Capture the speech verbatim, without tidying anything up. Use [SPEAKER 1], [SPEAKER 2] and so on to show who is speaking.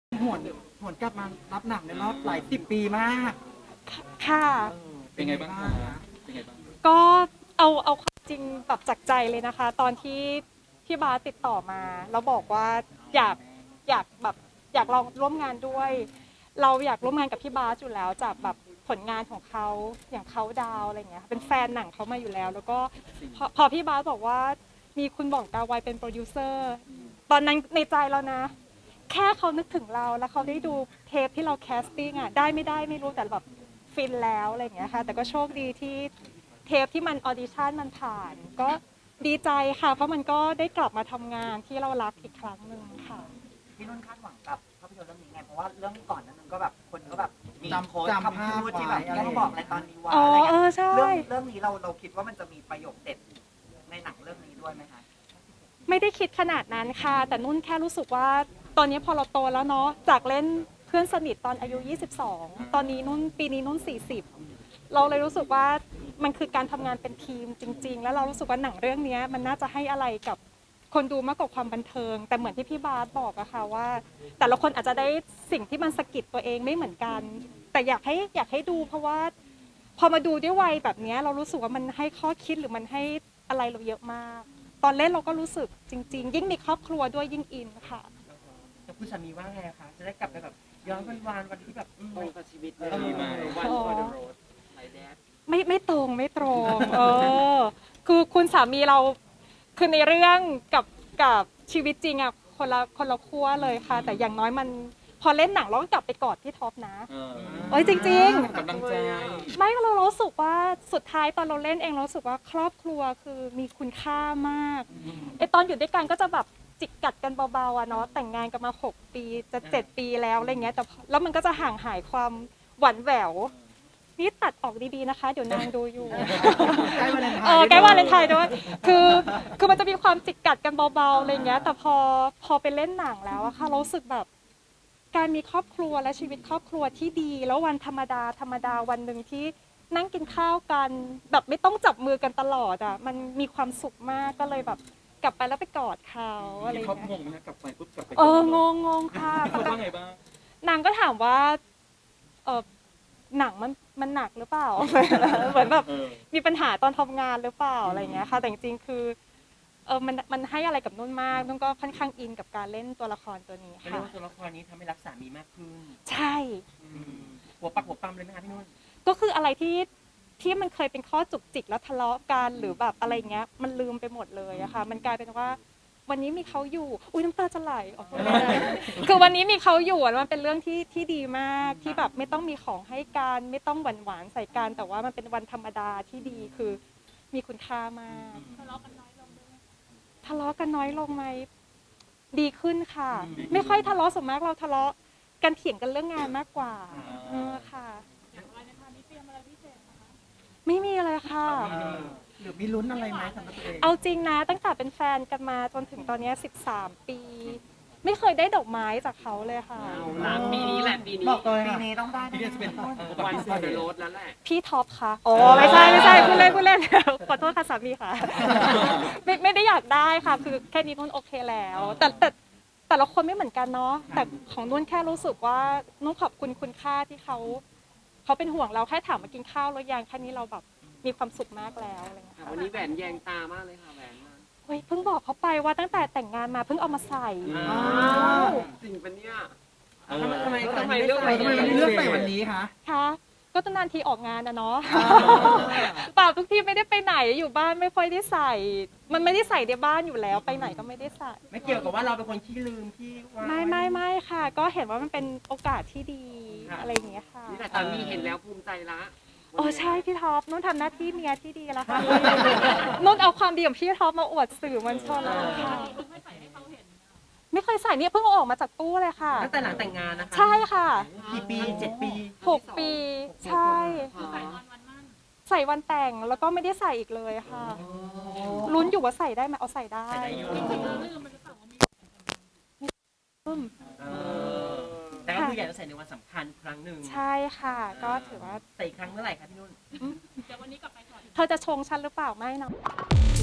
[SPEAKER 1] หวนหวนกลับมารับหนังในรอบหลายสิบปีมาก
[SPEAKER 2] ค่ะ
[SPEAKER 1] เออ
[SPEAKER 3] เป็นไงบ้างคะ
[SPEAKER 1] คะ
[SPEAKER 3] เป็นไงบ้าง
[SPEAKER 2] ก็เอาเอาความจริงแบบจากใจเลยนะคะ ตอนที่พี่บาสติดต่อมาแล้วบอกว่าอยากอยากแบบอยากลองร่วมงานด้วย เราอยากร่วมงานกับพี่บาสอยู่แล้วจากแบบผลงานของเขาอย่างเขาดาวอะไรเงี้ยเป็นแฟนหนังเขามาอยู่แล้ว แล้วก็พอพอพี่บาสบอกว่ามีคุณบองกาไวเป็นโปรดิวเซอร์ตอนนั้นในใจเรานะ แค่เขานึกถึงเราแล้วเขาได้ดูเทปที่เราแคสติ้งอ่ะได้ไม่ได้ไม่รู้แต่แบบฟินแล้วอะไรอย่างเงี้ยค่ะแต่ก็โชคดีที่เทปที่มันออดิชั่นมันผ่าน ก็ดีใจค่ะเพราะมันก็ได้กลับมาทำงานที่เรารักอีกครั้งหนึ่งค่ะ
[SPEAKER 4] พี่นุ่นคาดหวังกับภาพยนตร์เรื่องนี้ไง เพราะว่าเรื่องก่อนนั้นมันก็แบบคนก็แบบมี
[SPEAKER 1] จำ
[SPEAKER 4] โค้ด
[SPEAKER 1] จำ
[SPEAKER 4] คำพูดที่แบบ
[SPEAKER 1] ภาพไว้
[SPEAKER 4] ต้องบอกอะไรตอนนี้วะ
[SPEAKER 2] อ๋อ
[SPEAKER 4] อะไร
[SPEAKER 2] เอ
[SPEAKER 4] เงี้
[SPEAKER 2] อย ใช่
[SPEAKER 4] เรื่องเรื่องนี้เราเราคิดว่ามันจะมีประโยคเด็ดในหนังเรื่องนี้ด้วยไหมคะ
[SPEAKER 2] ไม่ได้คิดขนาดนั้นค่ะ แต่นุ่นแค่รู้สึกว่าตอนนี้พอเราโตแล้วเนาะจากเล่นเพื่อนสนิทตอนอายุยี่สิบสองตอนนี้นุ่นปีนี้นุ่นสี่สิบเราเลยรู้สึกว่ามันคือการทำงานเป็นทีมจริง ๆ แล้วเรารู้สึกว่าหนังเรื่องนี้มันน่าจะให้อะไรกับคนดูมากกว่าความบันเทิง แต่เหมือนที่พี่บาสบอกอะค่ะว่า แต่ละคนอาจจะได้สิ่งที่มันสะกิดตัวเองไม่เหมือนกัน แต่อยากให้อยากให้ดูเพราะว่า พอมาดูด้วยวัยแบบนี้เรารู้สึกว่ามันให้ข้อคิดหรือมันให้อะไรเราเยอะมาก ตอนเล่นเราก็รู้สึกจริง ๆ ยิ่งมีครอบครัวด้วยยิ่งอินค่ะ
[SPEAKER 4] แต่คุณสามีว่าไงคะจะได้กลับไปแบบย้อนวันวานวันที่แบบอืม
[SPEAKER 5] ตรงกับชีวิตเลย
[SPEAKER 4] เออ
[SPEAKER 5] วัน
[SPEAKER 2] อ๋อ
[SPEAKER 5] ฟอร์ดโรดไลแดด
[SPEAKER 2] ไม่ไม่ตรงไม่ตรง เออ คือคุณสามีเราคือในเรื่องกับกับชีวิตจริงอะคนละคนละขั้วเลยค่ะ แต่อย่างน้อยมันพอเล่นหนังเราก็กลับไปกอดพี่ท็อปนะ
[SPEAKER 3] เออ
[SPEAKER 2] เอ้ยจริง ๆ
[SPEAKER 3] กำลังใจ
[SPEAKER 2] ไม่เรารู้สึกว่าสุดท้ายตอนเราเล่นเองเรารู้สึกว่าครอบครัวคือมีคุณค่ามากไอตอนอยู่ด้วยกันก็จะแบบจิกกัดกันเบาๆอะเนาะแต่งงานกันมาหกปีจะเจ็ดปีแล้วอะไรเงี้ยแต่แล้วมันก็จะห่างหายความหวั่นแหววนี่ตัดออกดีๆนะคะ เดี๋ยวนางดูอยู่
[SPEAKER 1] ใกล้วันเลนไทน์
[SPEAKER 2] เออใกล้วันเลนไทน์ด้วยคือคือมันจะมีความจิกกัดกันเบาๆอะไรเงี้ยแต่พอพอไปเล่นหนังแล้วอะค่ะเรารู้สึกแบบ การมีครอบครัวและชีวิตครอบครัวที่ดี แล้ววันธรรมดาธรรมดาวันหนึ่งที่นั่งกินข้าวกันแบบไม่ต้องจับมือกันตลอดอ่ะมันมีความสุขมากก็เลยแบบกลับไปแล้วไปกอดเขาอะไรอ
[SPEAKER 3] ที่
[SPEAKER 2] ย่าง
[SPEAKER 3] เขาง
[SPEAKER 2] เงี้ย
[SPEAKER 3] งไหมนะกลับไปปุ๊บกลับไป
[SPEAKER 2] เอองงงงค่ะ
[SPEAKER 3] เขาว่าไงบ้าง
[SPEAKER 2] นางก็ถามว่าเออหนังมันมันหนักหรือเปล่า เหมือนแบบ
[SPEAKER 3] เออ
[SPEAKER 2] มีปัญหาตอนทำงานหรือเปล่าอะไรอย่างเงี้ยค่ะแต่จริงๆคือเออมันมันให้อะไรกับนุ่นมากนุ่นก็ค่อนข้างอินกับการเล่นตัวละครตัวนี้
[SPEAKER 4] เขาเรียก
[SPEAKER 2] ค่ะ
[SPEAKER 4] ว่าตัวละครนี้ทำให้รักสามีมากขึ้น
[SPEAKER 2] ใช่
[SPEAKER 4] อืมหัวปักหัวปั๊มเลยไหมคะพี่นุ่น
[SPEAKER 2] ก็คืออะไรที่ที่มันเคยเป็นข้อจุกจิกแล้วทะเลาะกันหรือแบบอะไรเงี้ยมันลืมไปหมดเลยอะค่ะมันกลายเป็นว่า วันนี้มีเขาอยู่อุ้ยน้ำตาจะไหลออกมาคือวันนี้มีเขาอยู่อะมันเป็นเรื่องที่ที่ดีมากที่แบบไม่ต้องมีของให้กันไม่ต้องหวานหวานๆใส่กันแต่ว่ามันเป็นวันธรรมดาที่ดีคือมีคุณค่ามากทะเลาะกันน้อยลงทะเลาะกันน้อยลงไหมดีขึ้นค่ะ ไม่ค่อยทะเลาะส่วนมากเราทะเลาะกันเถียงกันเรื่องงานมากกว่าเออค่ะ ไม่มีเลยค่ะ
[SPEAKER 1] หรือมีลุ้นอะไรไหมสำหรับตัวเอง
[SPEAKER 2] เอาจริงนะตั้งแต่เป็นแฟนกันมาจนถึงตอนเนี้ยสิบสามปี ไม่เคยได้ดอกไม้จากเขาเลยค่ะ
[SPEAKER 5] เอาละปีนี้แหละปีนี้
[SPEAKER 1] บอกตัวเอง
[SPEAKER 4] ปี
[SPEAKER 1] อะ
[SPEAKER 4] นี้ต้องได้
[SPEAKER 3] ที่
[SPEAKER 4] แน่
[SPEAKER 3] นี่จะเป็น
[SPEAKER 4] ๆ
[SPEAKER 5] วันฟอร์ดโรดแล้วแหละ
[SPEAKER 2] พี่ท็อปคะโอ้ไม่ใช่ไม่ใช่พูดเล่นพูดเล่น ขอโทษค่ะสามีค่ะ ไม่ไม่ได้อยากได้ค่ะ คือแค่นี้นุ่นโอเคแล้ว แต่แต่แต่ละคนไม่เหมือนกันเนาะแต่ของนุ่นแค่รู้สึกว่านุ่นขอบคุณคุณค่าที่เขาเขาเป็นห่วงเราแค่ถามมากินข้าวแล้วยังแค่นี้เราแบบมีความสุขมากแล้วอะไรอย่างเงี้ย
[SPEAKER 5] ค่ะ
[SPEAKER 2] ค่ะ
[SPEAKER 5] วันนี้แหวนแยงตามากเลยค่ะแหวนนั้น
[SPEAKER 2] เฮ้ยเพิ่งบอกเขาไปว่าตั้งแต่แต่งงานมาเพิ่งเอามาใส่
[SPEAKER 5] อ้าวจริงปะเนี่ย
[SPEAKER 3] เออ
[SPEAKER 4] ทำไม
[SPEAKER 5] ทำไม
[SPEAKER 4] ทำไม
[SPEAKER 5] เลือก
[SPEAKER 1] ทำไมไม่เลือกใส่วันนี้คะ
[SPEAKER 2] คะก็ตั้งนานทีออกงานนะเนาะ เปล่าทุกทีไม่ได้ไปไหนอยู่บ้านไม่ค่อยได้ใส่ มันไม่ได้ใส่ในบ้านอยู่แล้วไปไหนก็ไม่ได้ใส่
[SPEAKER 4] ไม่เกี่ยวกับว่าเราเป็นคนขี้ลืมขี้วาง
[SPEAKER 2] ไม่ไม่ไม่ค่ะ ก็เห็นว่ามันเป็นโอกาสที่ดี
[SPEAKER 4] ค่ะ
[SPEAKER 2] อะไรอย่างเงี้ยค่ะ
[SPEAKER 5] นี่แหละสามีเห็นแล้วภูมิใจละ
[SPEAKER 2] โอ้ใช่พี่ท็อปนุ่นทำหน้าที่เมียที่ดีแล้วค่ะ นุ่นเอาความดีของพี่ท็อปมาอวดสื่อมวลชนแล้วค่ะไม่เคยใส่เนี่ยเพิ่งเอาออกมาจากตู้เลยค่ะ
[SPEAKER 4] ตั้งแต่หลังแต่งงานนะคะ
[SPEAKER 2] ใช่ค่ะ
[SPEAKER 4] กี่ปีเจ็ดปี
[SPEAKER 2] หกปีใช่ ใส่วันแต่งแล้วก็ไม่ได้ใส่อีกเลยค่ะ ลุ้นอยู่ว่าใส่ได้ไหมเอาใส่ได้
[SPEAKER 4] ใส่ได้อยู่
[SPEAKER 2] อืม
[SPEAKER 4] เออแต่ก็คืออยากจะใส่ในวันสำคัญครั้งหนึ่ง
[SPEAKER 2] ใช่ค่ะ ก็ถือว่า
[SPEAKER 4] ใส่อีกครั้งเมื่อไหร่คะพี่นุ่น
[SPEAKER 2] เธอจะชงฉันหรือเปล่าไม่เนาะ